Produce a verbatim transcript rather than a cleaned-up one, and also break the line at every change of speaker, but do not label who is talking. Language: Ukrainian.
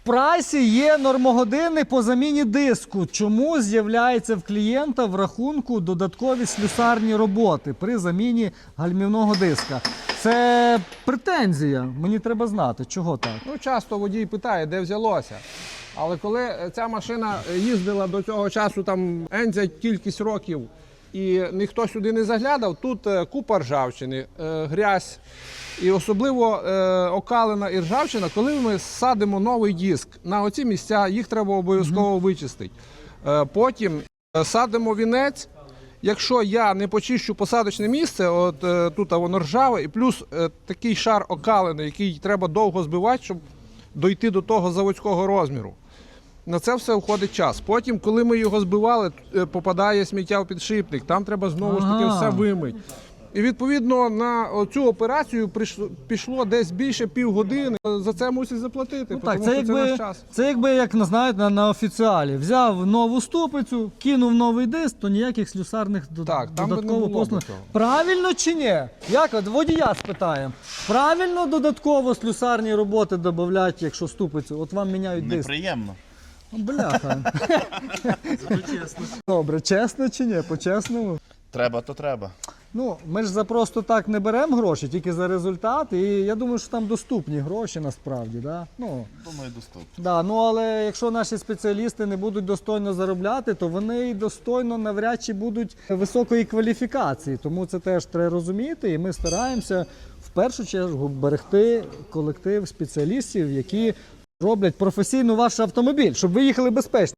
прайсі є нормогодини по заміні диску. Чому з'являється в клієнта в рахунку додаткові слюсарні роботи при заміні гальмівного диска? Це претензія. Мені треба знати, чого так.
Ну, часто водій питає, де взялося. Але коли ця машина їздила до цього часу, там енця кількість років, і ніхто сюди не заглядав, тут купа ржавчини, грязь. І особливо окалина і ржавчина, коли ми садимо новий диск на оці місця, їх треба обов'язково mm-hmm. вичистити. Потім садимо вінець. Якщо я не почищу посадочне місце, от е, тут воно ржаве, і плюс е, такий шар окалини, який треба довго збивати, щоб дойти до того заводського розміру. На це все входить час. Потім, коли ми його збивали, е, попадає сміття в підшипник, там треба знову ж таки ага. все вимити. І відповідно на цю операцію прийшло, пішло десь більше півгодини. За це мусять заплатити,
ну,
тому
так,
що
це, якби,
це наш час.
Це якби, як знаєте, на, на офіціалі. Взяв нову ступицю, кинув новий диск, то ніяких слюсарних
так,
додатково послуг. Правильно чи ні? Як от водія спитаємо. Правильно додатково слюсарні роботи додають, якщо ступицю? От вам міняють диск.
Неприємно.
Бляха. Добре, чесно чи ні? По-чесному?
Треба, то треба.
Ну, ми ж за просто так не беремо гроші, тільки за результат. І я думаю, що там доступні гроші насправді. Да? Ну,
думаю, доступні.
Да, ну, але якщо наші спеціалісти не будуть достойно заробляти, то вони і достойно навряд чи будуть високої кваліфікації. Тому це теж треба розуміти. І ми стараємося в першу чергу берегти колектив спеціалістів, які роблять професійно ваш автомобіль, щоб ви їхали безпечно.